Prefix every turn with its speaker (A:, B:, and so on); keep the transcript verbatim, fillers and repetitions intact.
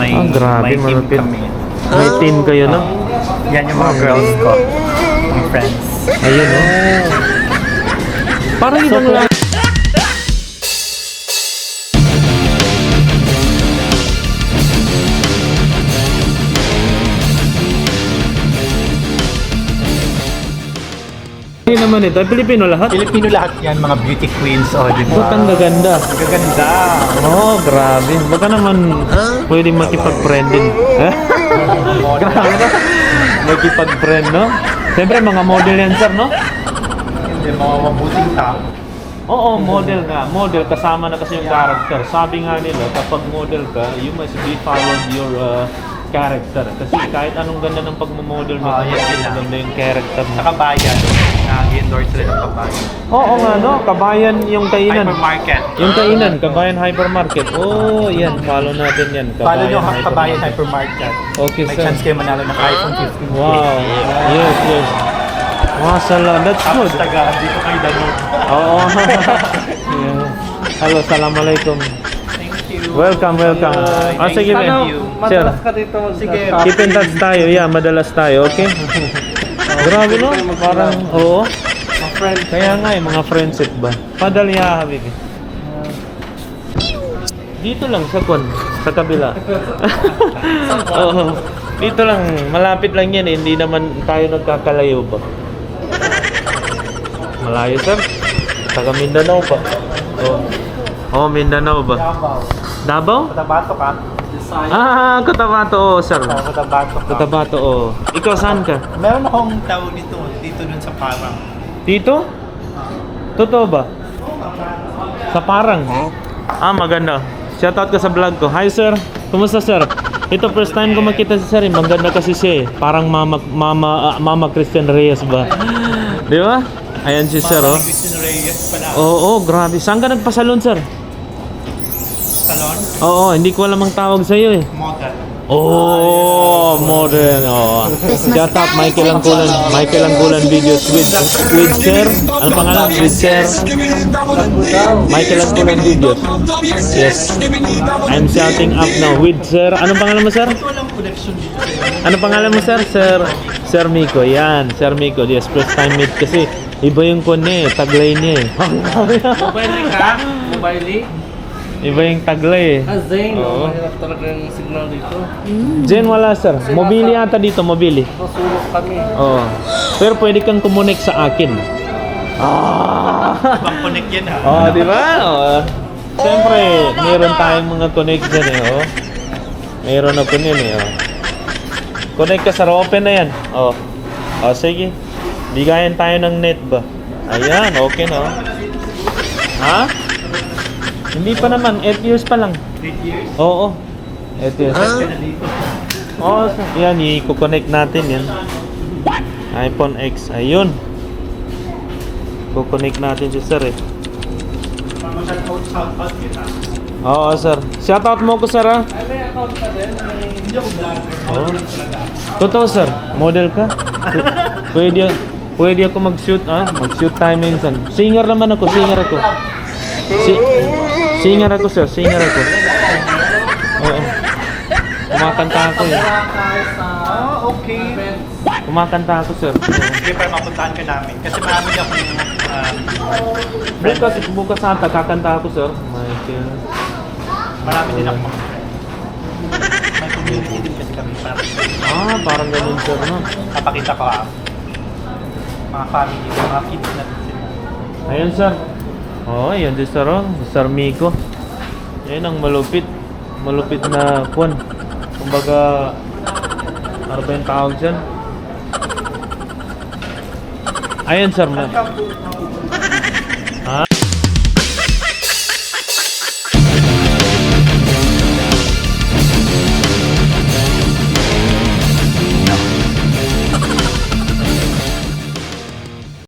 A: may,
B: Ah, grabe,
A: may team
B: malupit.
A: kami.
B: May team kayo, no?
A: Yan yung mga girls ko. Mga friends.
B: Ayun, no? Parang ibang lang. Hindi naman ito. Pilipino lahat.
A: Filipino lahat yan, mga beauty queens. O, di
B: Ba't
A: ba?
B: ang gaganda?
A: Ang gaganda.
B: Oh, grabe. Baka naman pwede makipag-friend din. Eh? Grabe na. Makipag-friend, no? Siyempre, mga model yan, sir, no?
A: Hindi, mga mabuting tao.
B: Oo, model nga. Model, kasama na kasi yung character. Sabi nga nila, kapag model ka, you must be followed your uh, character. Kasi kahit anong ganda ng pagmamodel mo,
A: Ah,
B: kung
A: yes,
B: yes,
A: sila.
B: ganda yung character mo.
A: Sa kabayan, nag-endorse sila ng kabayan.
B: Oo nga, no? Kabayan yung kainan.
A: Hypermarket.
B: Yung kainan, Kabayan Hypermarket. Oh, yan. Follow natin yan.
A: Follow nyo ang kabayan hypermarket.
B: Okay,
A: May
B: sir.
A: chance kayo manalo ng iPhone fifteen.
B: Wow. Yes, yes. Masala. That's
A: Tapos
B: good.
A: taga, dito kayo danog.
B: Oo. Yeah. Hello, assalamualaikum.
A: Thank you.
B: Welcome, welcome.
A: Bye.
B: Ah, sige,
A: Thank
B: ma'am.
A: you.
B: Sir,
C: ka dito.
A: Sige.
B: keep in touch tayo. Yeah, madalas tayo, okay? Grabe, no? Parang, oo.
C: Mga friend.
B: Kaya nga eh, mga friendship ba? Padali ha, habibi. Dito lang, sa kon, sa kabila. Oo. Dito lang, malapit lang yan eh. Hindi naman tayo nagkakalayo ba? Malayo, sir. Taga Mindanao pa. Oo. Oh, Mindanao ba?
A: Davao.
B: Davao?
A: Cotabato ka?
B: Ah, Cotabato, oh, sir.
A: Oh, Cotabato ka.
B: Cotabato, oh. Ikaw saan ka?
A: Meron akong tawag dito, dito dun sa parang.
B: Dito? Totoo ba? Sa Parang? Ah, maganda. Shoutout ka sa vlog ko. Hi, sir. Kumusta, sir? Ito, first time ko makita si sir. Eh. Maganda kasi siya eh. Parang mama, mama, ah, mama Christian Reyes ba? Di ba? Ayan si sir, oh.
A: Christian Reyes pala.
B: Oo, oh, grabe. Saan ka nagpasalon, sir?
A: Salon?
B: Oo, hindi ko alam ang tawag sa'yo eh.
A: Model.
B: Oh, modern. Oh. Shout out Michael Angkulan, Michael Angkulan videos with with sir. Ano pangalan? With sir. Michael Angkulan videos. Yes. I'm shouting up now with sir. Anong pangalan mo, sir?
A: Walang connection dito.
B: Ano pangalan mo, sir? Sir Sir Miko. Yan, Sir Miko. Yes, first time meet kasi iba yung kon niya eh, taglay niya eh.
C: Mobile ka? Mobile?
B: Iba yung taglay eh.
C: Ah, Zane.
B: Oo.
C: Oh. Mahirap talaga yung signal dito.
B: Jen, wala, sir. Mobili yata dito, mobili.
C: Nasulok kami.
B: Oo. Pero pwede kang kumonek sa akin. Ah!
A: Bang connect yan ha.
B: Oh, di ba? Oh. Siyempre, meron tayong mga connect dyan eh, oh. Meron ako yun eh, oh. Connect ka sa open na yan. Oh. Oh, sige. Bigayan tayo ng net ba? Ayan, okay na, oh. Ha? Hindi pa naman, eight years pa lang.
A: eight years?
B: Oo. eight years.
A: Ka na dito.
B: Oo, yan, i-connect natin yan. iPhone X, ayun. Kukonect natin si sir eh.
A: Shout-out, shout-out kita.
B: Oo, sir. Shoutout mo ko, sir, ah.
C: Ay, may account ka din? May...
A: Hindi ako vlogger.
B: Oh.
A: Model talaga.
B: Totoo, sir. Model ka? P- pwede, pwede ako mag-shoot, ah. Mag-shoot tayo minsan. Singer naman ako, singer ako. Si singer ako, sir. Singer ako. Oo. Kumakanta ako, eh.
A: Ah, okay.
B: Kumakanta ako, sir.
A: Sige, para mapuntahan ka namin. Kasi marami akong um,
B: Bukas, bukas ata, kakanta ako, sir. Michael.
A: marami din akong mga friends. May community din kasi kami. Marami.
B: Ah, parang ganun, sir, no?
A: Kapakita ko ah. Mga family, mga kids natin sila.
B: Ayan, sir. Oh, ayan din, sir, oh. Sir Miko. Ayan ang malupit. Malupit na kwan. Kumbaga, ano ba yung tawag dyan? Ayan, sir. Ma-